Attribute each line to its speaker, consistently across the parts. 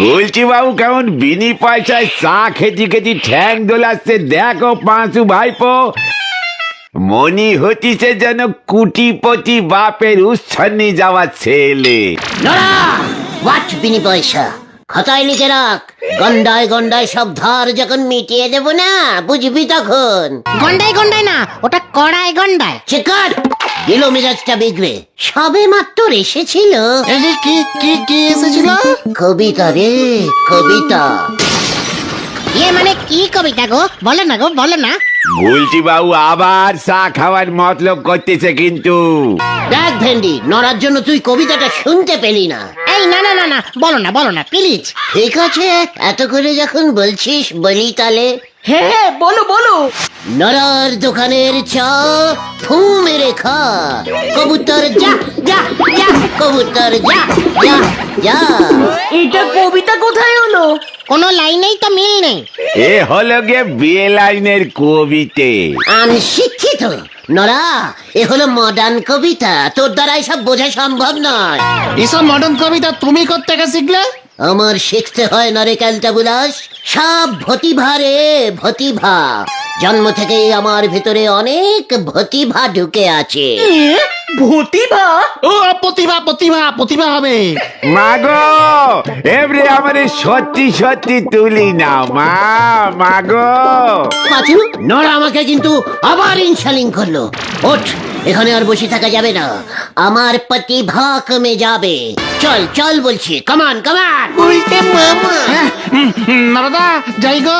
Speaker 1: বলছি বাবু কেমন বিনি পয়সায় চা খেতে খেতে ঠ্যাং দোলাচ্ছে দেখো পাঁচু ভাইপো, মনি হতিছে যেন কুটিপতি বাপের উচ্ছন্নি যাওয়া ছেলে।
Speaker 2: নড়া হোয়াট বিনি পয়সা খাতায় লিখে রাখ, গন্ডায় গন্ডায় সব ধার যখন মিটিয়ে দেব না বুঝবি তখন।
Speaker 3: গন্ডায় গন্ডায় না, ওটা কড়ায় গন্ডায়।
Speaker 2: চেকার দিল মেজাজটা বিগড়ে, সবে মাত্র এসেছিল।
Speaker 4: কি কি কি এসেছিল?
Speaker 2: কবিতা রে কবিতা।
Speaker 3: মানে কি কবিতা গো, বলো না গো, বলো না।
Speaker 1: বলছি বাবু আবার চা খাওয়ার মতলব করতেছে কিন্তু।
Speaker 2: দেখ ভেন্ডি, নড়ার জন্য তুই কবিতাটা শুনতে পেলি না।
Speaker 3: এই না না না না, বলো না প্লিজ।
Speaker 2: ঠিক আছে, এত করে যখন বলছিস বলি তালে।
Speaker 5: হ্যাঁ বলো বলো।
Speaker 2: নড়ার দোকানের চা ফু মেরে খা, কবুতর যা যা যা, কবুতর যা যা যা।
Speaker 5: এটা কবিতা কোথায় হলো?
Speaker 3: কোনো লাইনেই তো মিল নেই।
Speaker 1: এ হলো গে বিয়ে লাইনের কবিতে।
Speaker 2: শিক্ষিত নড়া, এ হলো মডার্ন কবিতা, তোর দ্বারা সব বোঝা সম্ভব নয়।
Speaker 4: এসব মডার্ন কবিতা তুমি কোত্থেকে শিখলে?
Speaker 2: আমার শিখতে হয় না রে ক্যালটাবুলাস, সব ভতিভা রে ভতিভা। জন্ম থেকেই আমার ভিতরে অনেক ভতিভা ঢুকে আছে।
Speaker 5: ভতিভা?
Speaker 4: ও প্রতিভা প্রতিভা প্রতিভা হবে।
Speaker 1: মাগো এবারে আমাদের সত্যি সত্যি তুলি নাও মা, মাগো।
Speaker 2: পাঁচু, নড়া আমাকে কিন্তু আবার ইনশালিং করলো। ওঠ, এখানে আর বসে থাকা যাবে না, আমার প্রতিভা কমে যাবে। চল চল বলছি, কামান কামান। উল্টে মামা।
Speaker 4: নারদা যাই গো।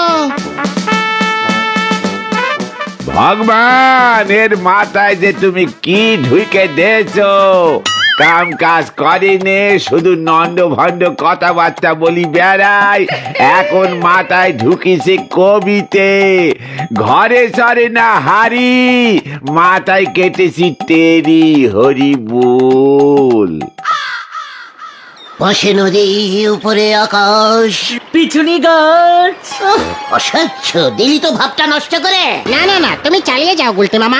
Speaker 1: ভগবান এর মাথায় যে তুমি কি ঢুকে দিয়েছো, কাম কাজ করেনি, শুধু নন্দ ভন্ড কথাবার্তা বলি বেড়াই। এখন মাথায় ঢুকিছে কবিতে, ঘরে সরে না হারি, মাথায় কেটেছি তেরি হরি বল।
Speaker 2: পাশে নদী উপরে আকাশ,
Speaker 5: পিছুনি গাছ।
Speaker 2: অসহ্য, দিলি তো ভাবটা নষ্ট করে।
Speaker 3: না না না, তুমি চালিয়ে যাও গুলতে মামা।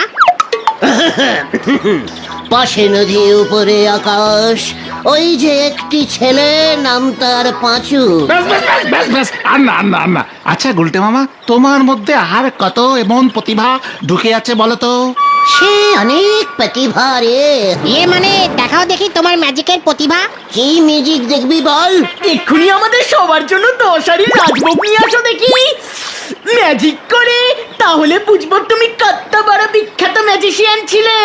Speaker 2: পাশে নদী উপরে আকাশ, ওই যে একটি ছেলে, নাম তার পাঁচু।
Speaker 4: ব্যাস ব্যাস ব্যাস ব্যাস ব্যাস, আর না আর না আর না। আচ্ছা গুলটে মামা, তোমার মধ্যে আর কত এমন প্রতিভা ঢুকে আছে বলো তো?
Speaker 2: সে অনেক প্রতিভা রে।
Speaker 3: মানে দেখাও দেখি তোমার ম্যাজিকের প্রতিভা।
Speaker 2: কি মিউজিক দেখবি বল?
Speaker 5: এক্ষুনি আমাদের সবার জন্য 10 হাড়ি রাজভোগ নিয়ে আসো দেখি, ম্যাজিক করে। তাহলে বুঝবো তুমি কত বড় বিখ্যাত ম্যাজিশিয়ান ছিলে।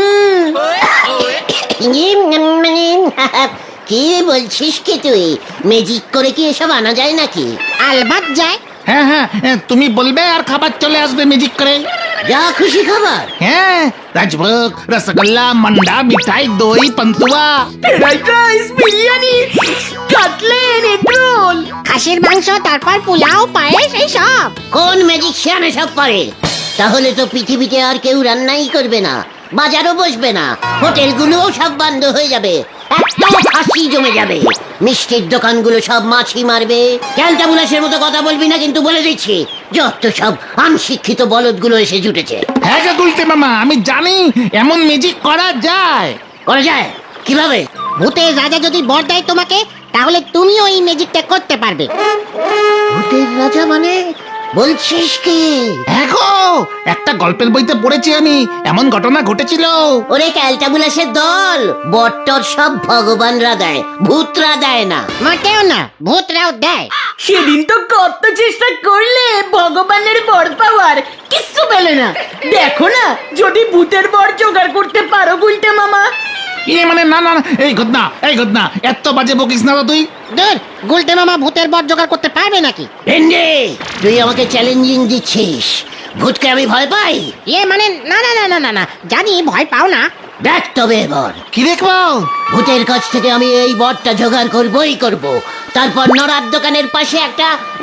Speaker 2: মানে কি বলছিস কি তুই? ম্যাজিক করে কি এসব আনা যায় নাকি?
Speaker 3: আলবাত যায়।
Speaker 4: হ্যাঁ হ্যাঁ, তুমি বলবে আর খাবার চলে আসবে ম্যাজিক করে।
Speaker 2: যা খুশি খাবার।
Speaker 4: হ্যাঁ, রাজভোগ, রসগোল্লা, মান্ডা, মিঠাই, দই, পান্তুয়া,
Speaker 5: fried rice, biryani, cutlet, egg roll,
Speaker 3: খাসির মাংস, তারপর পোলাও, পায়েস, এই সব।
Speaker 2: কোন ম্যাজিশিয়ান এসব পারে? তাহলে তো পৃথিবীতে আর কেউ রান্নাই করবে না, বাজারও বসবে না, হোটেলগুলোও সব বন্ধ হয়ে যাবে, একটাও খাসি জমে যাবে, মিষ্টির দোকানগুলো সব মাছি মারবে। ক্যালটাবুলাসের মতো কথা বলবি না কিন্তু, বলে দিচ্ছি। যত সব অনশিক্ষিত বলদগুলো এসে জুটেছে।
Speaker 4: হ্যাঁ গো গুলটে মামা, আমি জানি এমন ম্যাজিক করা যায়।
Speaker 2: করা যায়? কিভাবে?
Speaker 3: ভূতের রাজা যদি বর দেয় তোমাকে, তাহলে তুমিও এই ম্যাজিকটা করতে পারবে।
Speaker 2: ভূতের রাজা মানে? বলছিস কি?
Speaker 4: হ্যাঁ গো, একটা গল্পের বইতে পড়েছি আমি, এমন ঘটনা ঘটেছিল।
Speaker 2: ওরে ক্যালটাবুলাসের দল, বট্টর সব ভগবানরা দেয়, ভূতরা দেয় না।
Speaker 3: মোটেও না, ভূতরাও দেয়।
Speaker 5: সেদিন তো কত চেষ্টা করলে ভগবানের বর পাওয়ার, কিচ্ছু পেলে না। দেখো না, যদি ভূতের বর জোগাড় করতে পারো গুলটে মামা।
Speaker 4: মানে না না না, এই ঘটনা এই ঘটনা, এত বাজে বকিস না তো তুই।
Speaker 3: দূর, গুলতে মামা ভূতের বর জোগাড় করতে পারবে নাকি?
Speaker 2: ভেন্ডে, তুই আমাকে চ্যালেঞ্জিং দিচ্ছিস? ভূতকে আমি ভয় পাই?
Speaker 3: মানে না না না না না না, জানি ভয় পাও না।
Speaker 2: দেখ তবে এবার
Speaker 4: কি দেখবো?
Speaker 2: ভূতের কাছ থেকে আমি এই বরটা জোগাড় করবই করব। তারপর নড়ার দোকানের পাশে একটা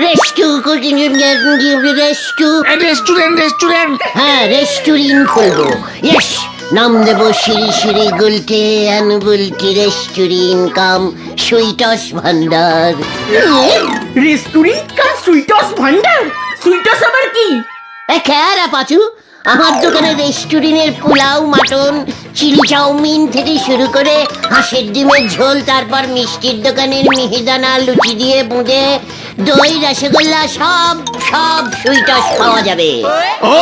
Speaker 4: রেস্টুরেন্ট।
Speaker 2: হ্যাঁ, রেস্টুরেন্ট খুলবো। ইয়েস, নাম দেব Shri Shri Gulte and Bulti restaurant cum sweets ভান্ডার।
Speaker 5: রেস্টুরেন্ট কা সুইটস ভান্ডার? সুইটস আবার কি?
Speaker 2: খেয়ারা পাচু, আমার দোকানে রেস্টুরেন্টের পোলাও, মাটন, চিলি চাউমিন থেকে শুরু করে হাঁসের ডিমের ঝোল, তারপর মিষ্টির দোকানের মিহিদানা লুচি দিয়ে বুঁদে, দই, রসগোল্লা, সব সব সুইটস পাওয়া যাবে।
Speaker 4: ও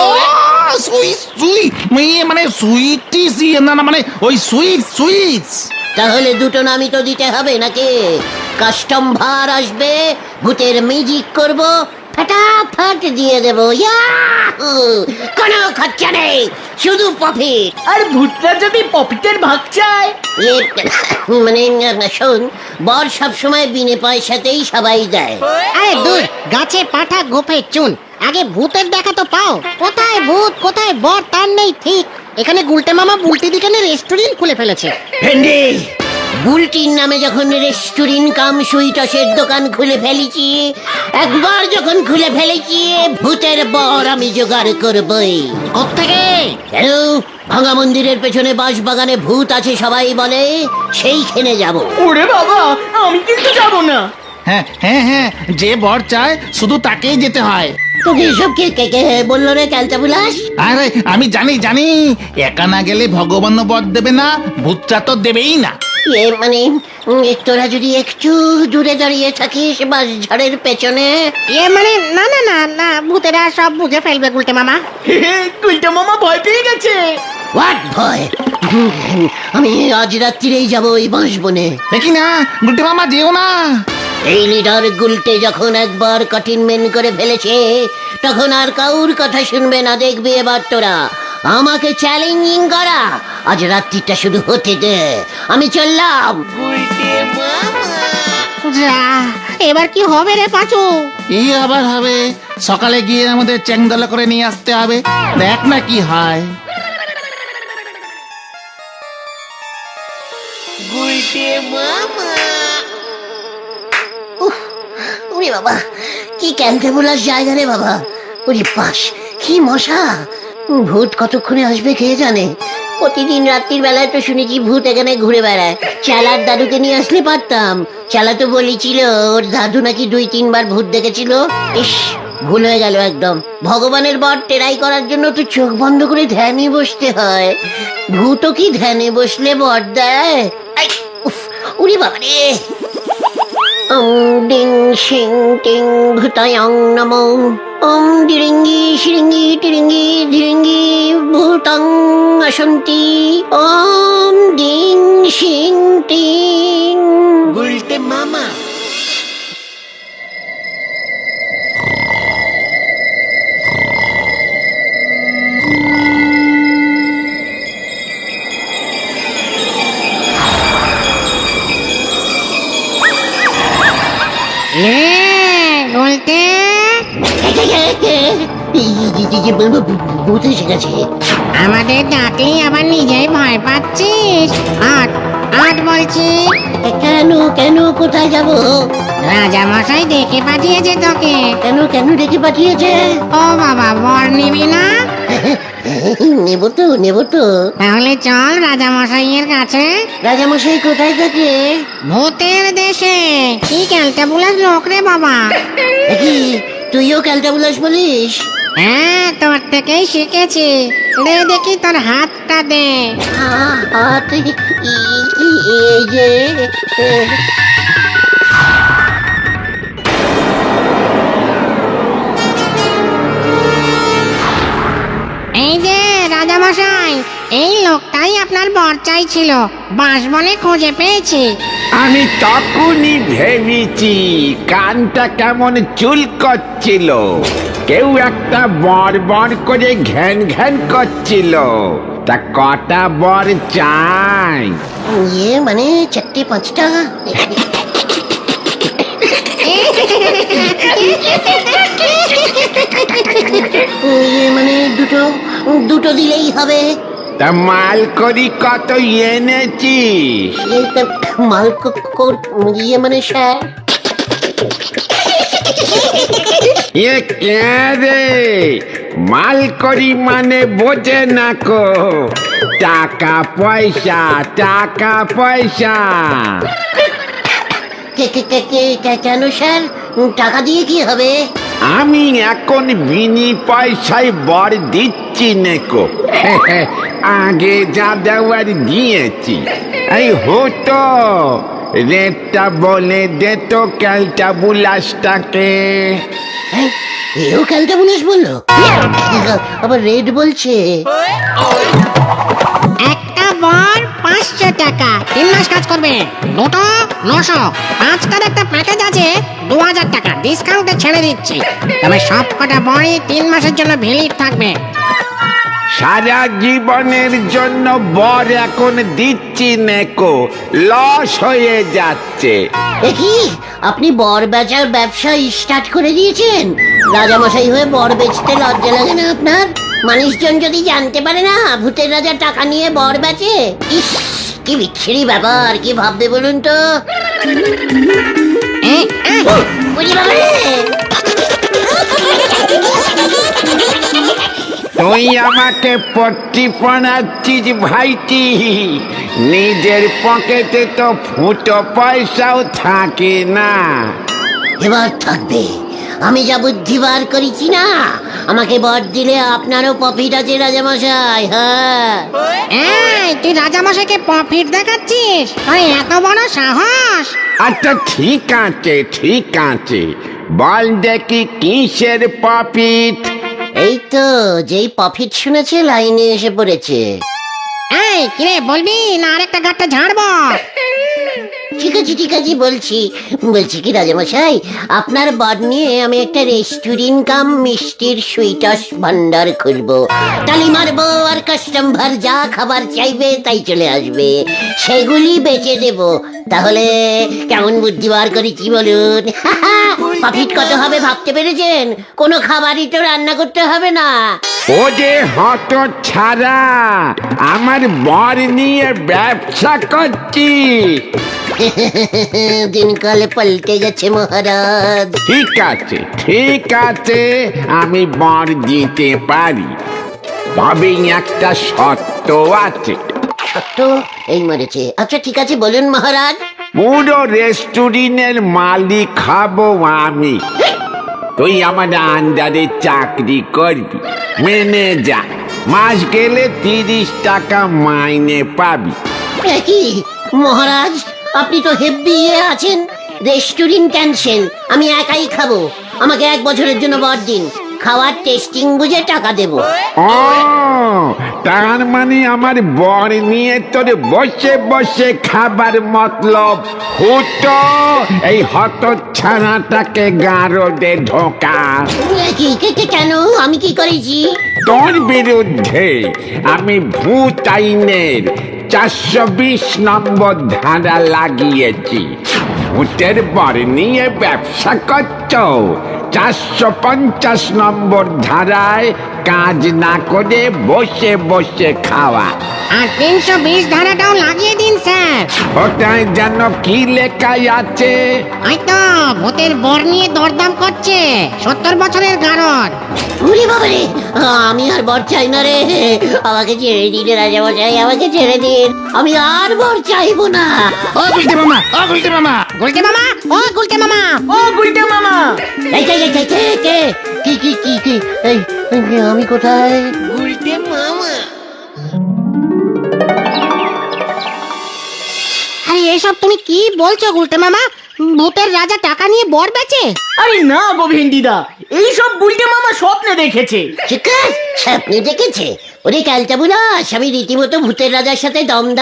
Speaker 4: মানে সুইটিস, না না মানে ওই সুইটস।
Speaker 2: তাহলে দুটো নামই তো দিতে হবে নাকি? কাস্টম ভার আসবে, ভূতের ম্যাজিক করব, ফটাফট দিয়ে দেবো। ইয়াহু! কোনো খরচা নেই, শুধু প্রফিট।
Speaker 5: আর ভূতরা যদি পপিটের ভাগ চায়?
Speaker 2: মানে শোন, বর সবসময় বিনে পয়সাতেই সবাই দেয়।
Speaker 3: আরে দূর, গাছে পাঠা গোফে চুন, আগে ভূতের দেখা তো পাও। কোথায় ভূত কোথায় বর তার নেই ঠিক। এখানে গুলটে মামা বুলটি দিকে রেস্টুরেন্ট খুলে ফেলেছে।
Speaker 2: ভেন্ডি, বুলটির নামে যখন রেস্টুরেন্ট কাম সুইটসের দোকান খুলে ফেলেছি, একবার যখন খুলে ফেলেছি, ভূতের বর আমি জোগাড় করবই।
Speaker 3: কোত্থেকে?
Speaker 2: কেন? ভাঙা মন্দিরের পেছনে বাঁশ বাগানে ভূত আছে সবাই বলে, সেইখানে যাব।
Speaker 5: ওরে বাবা, আমি কিন্তু যাব না।
Speaker 4: হ্যাঁ হ্যাঁ হ্যাঁ, যে বর চায় শুধু তাকেই যেতে হয়।
Speaker 2: তোকে এসব কে কে কে বললো রে ক্যালটা বুলাস?
Speaker 4: আরে আমি জানি, একা না গেলে ভগবান বর দেবে না, ভূতটা তো দেবেই না।
Speaker 2: মানে তোরা যদি একটু দূরে দাঁড়িয়ে থাকিস বাঁশ ঝাড়ের পেছনে।
Speaker 3: মানে না না না না, ভূতেরা সব বুঝে ফেলবে গুলটে মামা।
Speaker 5: কুলটা মামা ভয় পেয়ে গেছে।
Speaker 2: হোয়াট ভয়? আমি আজ রাত্রিরেই যাবো ওই বাঁশ বনে।
Speaker 4: দেখি না গুলটে মামা, যেও না।
Speaker 2: এই লিডার গুলটে যখন একবার কঠিনমেন করে ফেলেছে, তখন আর কাউর কথা শুনবে না। দেখবি এবার তোরা আমাকে চ্যালেঞ্জিং করা। আজ রাত্রিটা শুধু হতে দে, আমি চললাম।
Speaker 3: যা, এবার কি হবে রে পাঁচু?
Speaker 4: এই আবার হবে, সকালে গিয়ে আমাদের চ্যাংদলা করে নিয়ে আসতে হবে। দেখ না কি হয়।
Speaker 2: ওরে বাবা, কি ক্যান্টে বলার জায়গা রে বাবা। ওরে পাশ, কি মশা! ভূত কতক্ষণে আসবে কে জানে। প্রতিদিন রাত্রির বেলায় তো শুনেছি ভূত এখানে ঘুরে বেড়ায়। চালার দাদুকে নিয়ে আসলে পারতাম। চালা তো বলেছিল ওর দাদু নাকি 2-3 বার ভূত দেখেছিল। ইস, ভুল হয়ে গেল একদম। ভগবানের বর টেরাই করার জন্য তো চোখ বন্ধ করে ধ্যানে বসতে হয়। ভূতও কি ধ্যানে বসলে বর দেয়? আই, উফ, ওরে বাবা রে। ডিং শিং টিং ভূতায়ং নমো। ওম ডিরিঙ্গি শিরিঙ্গি টিরিঙ্গি ধিরিঙ্গি ভূতং আসন্তি। ওম ডিং শিং টিং। গুলটে মামা।
Speaker 3: গুলটে,
Speaker 2: ভূত এসে গেছে।
Speaker 3: আমাদের ডাকলেই আবার নিজেই ভয় পাচ্ছিস? আট আট বলছি।
Speaker 2: কেন কেন, কোথায় যাব?
Speaker 3: রাজা মশাই ডেকে পাঠিয়েছে তোকে।
Speaker 2: কেন কেন ডেকে পাঠিয়েছে?
Speaker 3: ও বাবা, বর নিবি না?
Speaker 2: নেব তো।
Speaker 3: তাহলে চল রাজা মশাইয়ের কাছে।
Speaker 2: রাজামশাই কোথায় থাকে?
Speaker 3: ভূতের দেশে। কি ক্যালটা বুলাস লোক রে বাবা।
Speaker 2: দেখি, তুইও ক্যালটাবুলাস বলিস?
Speaker 3: হ্যাঁ, তোর থেকেই শিখেছি। দে দেখি তোর হাতটা দে।
Speaker 2: হাত এই যে।
Speaker 3: এই যে রাজামশাই, এই লোকটাই আপনার বর চাইছিল। বাঁশবনে খুঁজে পেয়েছি।
Speaker 1: আমি তখনই ভেবেছি কানটা কেমন চুল করছিল, কেউ একটা বর বর করে ঘ্যান ঘ্যান করছিল। তা কটা বর চাই?
Speaker 2: মানে 4-5টা। মানে দুটো দিলেই হবে।
Speaker 1: তা মাল করি কত এনেছিস?
Speaker 2: মাল মানে স্যার।
Speaker 1: এ কে রে? মাল করি মানে বোঝে না কো, টাকা পয়সা টাকা পয়সা।
Speaker 2: কেন স্যার, টাকা দিয়ে কি হবে?
Speaker 1: আমি এখন বিনি পয়সায় বর দিচ্ছি নেকো। আগে যা দেওয়ার দিয়েছি। এই হতো রেটটা বলে দে তো ক্যালটা বুলাসটাকে।
Speaker 2: হ্যাঁ, এও ক্যালটা বুলাস বললো, আবার রেড বলছে।
Speaker 3: একটা বর 500 টাকা, 3 মাস কাজ করবে। দুটো 900, 5টার একটা প্যাকেজ আছে 2000 টাকা ডিসকাউন্টে ছেড়ে দিচ্ছি। তবে সব কটা বরই 3 মাসের জন্য ভ্যালিড থাকবে।
Speaker 1: সারা জীবনের জন্য বর এখন দিচ্ছি নেকো, লস হয়ে যাচ্ছে।
Speaker 2: দেখি আপনি বর বেচার ব্যবসা স্টার্ট করে দিয়েছেন। রাজামশাই হয়ে বর বেচতে লজ্জা লাগে না আপনার? মানুষজন যদি জানতে পারে না ভূতের রাজা টাকা নিয়ে বর বেচে, ইস কি বিচ্ছিরি ব্যাপার, কি ভাববে বলুন তো? বুঝি বাবা রে।
Speaker 1: তুই আমাকে পট্টি পড়াচ্ছিস ভাইটি, নিজের পকেটে তো ফুটো পয়সাও থাকে না।
Speaker 2: এবার থাকবে, আমি যা বুদ্ধি বার করেছি না, আমাকে বর দিলে আপনারও প্রফিট আছে রাজামশাই। হ্যাঁ,
Speaker 3: এই তুই রাজামশাইকে প্রফিট দেখাচ্ছিস? তোর এত বড় সাহস?
Speaker 1: আচ্ছা ঠিক আছে ঠিক আছে, বল দেখি কিসের প্রফিট?
Speaker 2: এই তো যেই প্রফিট শুনেছে লাইনে এসে পড়েছে।
Speaker 3: এই কিরে বলবি না আরেকটা গাটটা ঝাড়বো?
Speaker 2: ঠিক আছে বলছি কি রাজামশাই, আপনার বর নিয়ে আমি একটা রেস্টুরেন্ট কাম মিষ্টির সুইটস ভান্ডার খুলবো। তালি মারবো আর কাস্টমার যা খাবার চাইবে তাই চলে আসবে, সেগুলি বেচে দেব। তাহলে কেমন বুদ্ধি বার করেছি বলুন? প্রফিট কত হবে ভাবতে পেরেছেন? কোনো খাবারই তো রান্না করতে হবে না।
Speaker 1: ও যে হত ছাড়া, আমার বর নিয়ে ব্যবসা করছি।
Speaker 2: দিনকাল পাল্টে গেছে মহারাজ।
Speaker 1: ঠিক আছে, আমি বর দিতে পারি, তবে একটা শর্ত আছে।
Speaker 2: সত্য এই মরেছে। আচ্ছা ঠিক আছে বলুন মহারাজ।
Speaker 1: পুরো রেস্টুরেন্টের মালিক খাবো আমি, তুই আমার আন্ডারে চাকরি করবি, মেনে যা। মাস গেলে 30 টাকা মাইনে পাবি।
Speaker 2: কি মহারাজ, আপনি তো হেব্বি আছেন। রেস্টুরেন্ট ক্যান্সেল, আমি একাই খাবো। আমাকে 1 বছরের জন্য বর দিন, খাওয়ার টেস্টিং বুঝে টাকা দেব।
Speaker 1: ও তার মানে আমার বর নিয়ে তোর বসে বসে খাবার মতলব হতো? এই হত ছানাটাকে গারদে ঢোকা।
Speaker 2: কেন, আমি কি করেছি?
Speaker 1: তোর বিরুদ্ধে আমি ভূত আইনের 420 নম্বর ধারা লাগিয়েছি। ভূতের বর নিয়ে ব্যবসা করছ, 450 নম্বর ধারায় কাজ না করে বসে বসে খাওয়া।
Speaker 3: আর 320 ধারাটাও লাগিয়ে দিন স্যার।
Speaker 1: ওটায় যেন কি লেখাই আছে?
Speaker 3: ওই তো ভূতের বর নিয়ে দরদাম করছে, 70 বছরের গারদ।
Speaker 2: উরি বাবারে, আমি আর বর চাই না রে। আমাকে ছেড়ে দিন রাজামশাই, আমাকে ছেড়ে দিন। আমি আর বর চাইবো না।
Speaker 4: ও গুলটে মামা, ও গুলটে মামা,
Speaker 3: গুলটে মামা, ও গুলটে মামা,
Speaker 5: ও গুলটে মামা,
Speaker 2: এই কে কি এই আমি কোথায়?
Speaker 3: আরে এসব তুমি কি বলছো গুলটে মামা? ভূতের রাজা টাকা নিয়ে বর বেচে?
Speaker 5: আরে না গো ভেন্ডিদা, এইসব গুলটে মামা স্বপ্নে দেখেছে।
Speaker 2: চিকাস স্বপ্নে দেখেছে? ওরে ক্যালটা বুলাস, আমি রীতিমতো ভূতের রাজার সাথে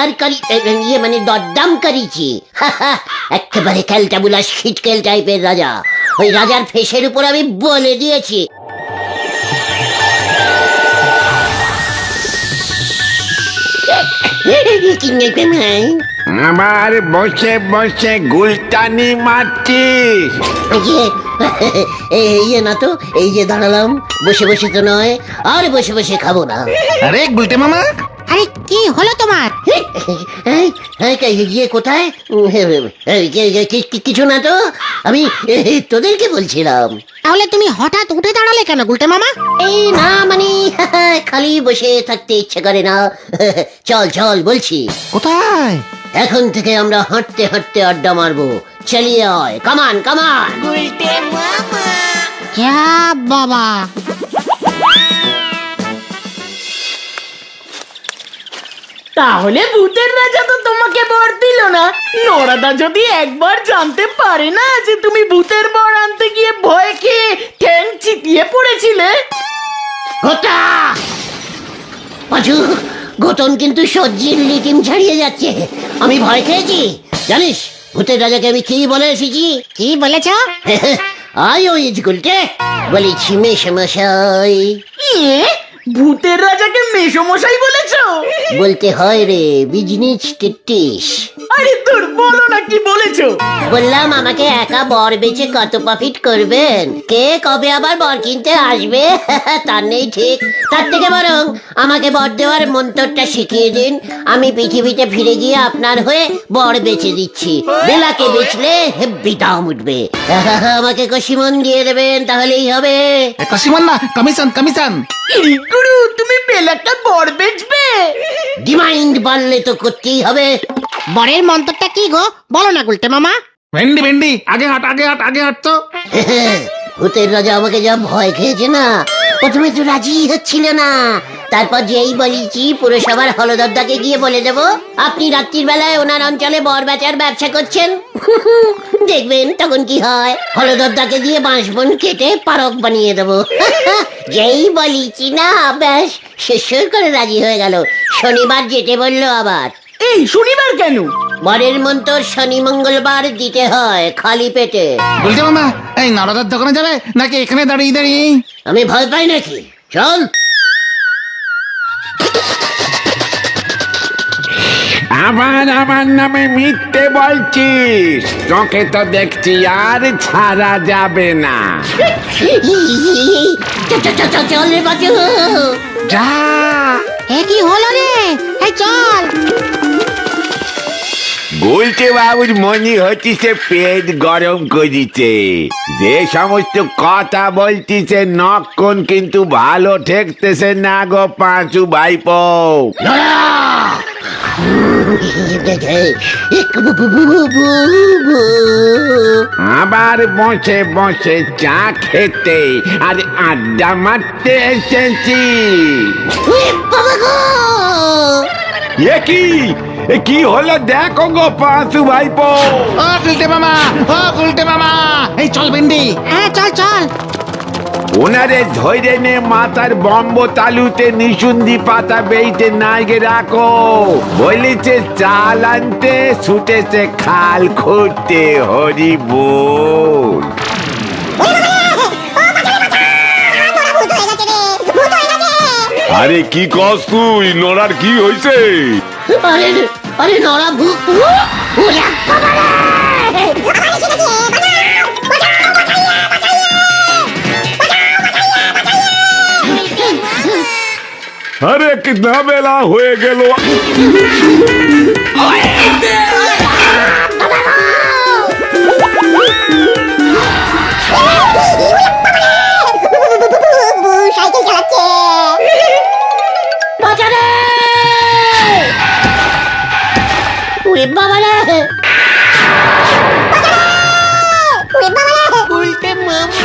Speaker 2: দরদাম করিছি। একেবারে ক্যালটা বুলাস খিটকেল টাইপের রাজা। ওই রাজার ফেসের উপর আমি বলে দিয়েছি।
Speaker 1: আমার বসে বসে গুলটানি মারছিস?
Speaker 2: এই না তো, এই যে দাঁড়ালাম, বসে বসে তো নয়, আর বসে বসে খাবো না।
Speaker 4: আরে গুলটে মামা,
Speaker 3: আরে কি হলো তোমার?
Speaker 2: ইয়ে কোথায়? কিছু না তো, আমি তোদেরকে বলছিলাম।
Speaker 3: তাহলে তুমি হঠাৎ উঠে দাঁড়ালে কেন গুলটে মামা?
Speaker 2: এই না মানে খালি বসে থাকতে ইচ্ছে করে না। চল বলছি।
Speaker 4: কোথায়?
Speaker 2: এখন থেকে আমরা হাঁটতে হাঁটতে আড্ডা মারবো। চলিয়ে আয়, কামান।
Speaker 3: যা বাবা।
Speaker 5: তাহলে ভূতের রাজা তো তোমাকে বর দিল না। নরাদা যদি একবার জানতে পারে না যে তুমি ভূতের বর আনতে গিয়ে ভয় খেয়ে ঠ্যাং চিতিয়ে পড়েছিলে।
Speaker 2: গোটা পাঁচু, গোতন কিন্তু সজ্জির লিটিম ছাড়িয়ে যাচ্ছে। আমি ভয় খেয়েছি জানিস? ভূতের রাজাকে আমি কি বলে এসেছি?
Speaker 3: কি বলেছ?
Speaker 2: আই ওই গুলটে বলেছি মেশমশাই।
Speaker 5: ইয়ে, ভূতের রাজাকে মেসমশাই বলেছো?
Speaker 2: বলতে হয় রে, বিজনেস টিটিস।
Speaker 5: আরে তোর বলো না কি বলেছো।
Speaker 2: বললাম আমাকে একা বর বেচে কত প্রফিট করবেন, কে কবে আবার বর কিনতে আসবে তার নেই ঠিক। তার থেকে বরং আমাকে বর দেওয়ার মন্ত্রটা শিখিয়ে দিন, আমি পৃথিবীতে ফিরে গিয়ে আপনার হয়ে বর বেচে দিচ্ছি। বেলাকে বেচলে হেব্বি দাম উঠবে। আমাকে কষিমন দিয়ে দেবেন, তাহলেই হবে।
Speaker 4: কাশিমান না, কমিশন কমিশন।
Speaker 5: ইরি গুরু, তুমি বেলাটা বর বেচবে?
Speaker 2: ডিমান্ড বাড়লে তো করতেই হবে।
Speaker 3: বরের মন্ত্রটা কি গো, বলো না গুলটে মামা।
Speaker 4: ভেন্ডি ভেন্ডি, আগে হাট আগে হাট আগে হাট তো।
Speaker 2: ভূতের রাজা আমাকে যা ভয় খেয়েছে না, প্রথমে তো রাজি হচ্ছিল না। তারপর যেই বলেছি পুরসভার হলদরদাকে গিয়ে বলে দেব আপনি রাত্রির বেলায় ওনার অঞ্চলে বর বেচার ব্যবসা করছেন, দেখবেন তখন কি হয়। হলদরদাকে দিয়ে বাঁশবন কেটে পারক বানিয়ে দেবো। যেই বলেছি না, ব্যাস শেষ করে রাজি হয়ে গেল। শনিবার যেতে বললো আবার।
Speaker 5: এই শনিবার কেন?
Speaker 2: বরের মন্ত্র শনি মঙ্গলবার দিতে হয় খালি পেটে।
Speaker 4: বলতে মামা, এই নরদার দোকানে যাবে নাকি এখানে দাঁড়িয়ে দাঁড়িয়ে?
Speaker 2: আমি ভয় পাই নাকি? চল।
Speaker 1: আবার আমার নামে মিথ্যে বলছিস? তোকে তো দেখছি আর ছাড়া যাবে না।
Speaker 2: চল রে বাচু।
Speaker 1: যা।
Speaker 3: এ কি হলো রে? এই চল।
Speaker 1: বলছে বাবুর মনে হচ্ছে পেট গরম করিছে। যে সমস্ত কথা বলতিছে নক্ষণ কিন্তু ভালো ঠেকতেছে না গো পাঁচু ভাইপো। আবার বসে বসে চা খেতে আর আড্ডা মারতে এসেছি। এ কি হলো দেখো গো পাঁচু ভাইপো।
Speaker 4: ও গুলটে মামা, ও গুলটে মামা, এই চল ভেন্ডি।
Speaker 3: হ্যাঁ চল চল।
Speaker 1: ওনারে ধৈর্য নে মাথার বম্ব তালুতে নিশুন্দি পাতা বেইতে নাইগে রাখো। বলেছে চাল আনতে, ছুটেছে খাল খুঁড়তে। হরি বল।
Speaker 6: আরে কি কস তুই? নড়ার কি হইছে?
Speaker 2: আরে আরে নড়া ভূত।
Speaker 6: আরে কি ঝামেলা হয়ে গেল।
Speaker 2: সাইকেল চালাচ্ছে। বাজারে ওরে বাবা রে। উল্টে মামা।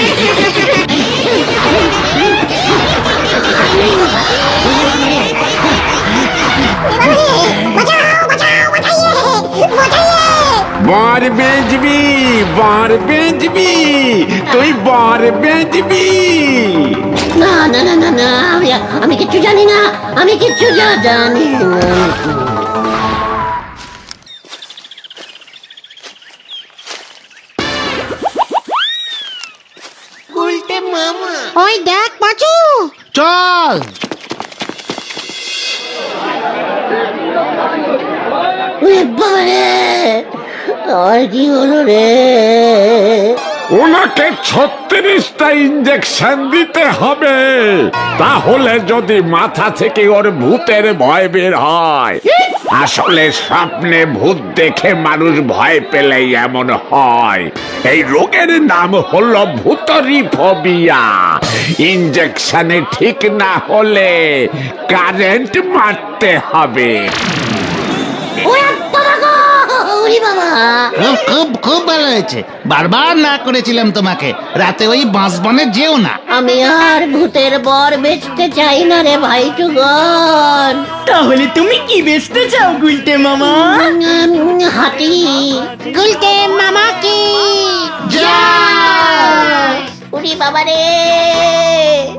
Speaker 1: বর বেচবি, বর বেচবি, তুই বর বেচবি।
Speaker 2: না না না না না, আমি কিচ্ছু জানি না, আমি কিচ্ছু জানি না।
Speaker 3: ওই দেখ পাঁচু।
Speaker 4: চল।
Speaker 2: ওরে বাবা রে, আর কি হলো রে?
Speaker 6: ওনাকে 36টা ইঞ্জেকশন দিতে হবে, তাহলে যদি মাথা থেকে ওর ভূতের ভয় বের হয়।
Speaker 1: আসলে স্বপ্নে ভূত দেখে মানুষ ভয় পেলেই এমন হয়। এই রোগের নাম হলো ভূতরি ফোবিয়া। ইঞ্জেকশনে ঠিক না হলে কারেন্ট মারতে হবে।
Speaker 2: ওরে বাবা গো, ওরে বাবা।
Speaker 4: খুব খুব খুব ভালো হয়েছে, বারবার না করেছিলাম তোমাকে রাতে ওই বাঁশবনে যেও না।
Speaker 2: আমি আর ভূতের বর বেচতে চাই না রে ভাই টুগন।
Speaker 5: তাহলে তুমি কি বেচতে চাও গুলটে মামা?
Speaker 2: হাতি।
Speaker 3: গুলটে মামা কি
Speaker 2: উড়ি বাবা রে।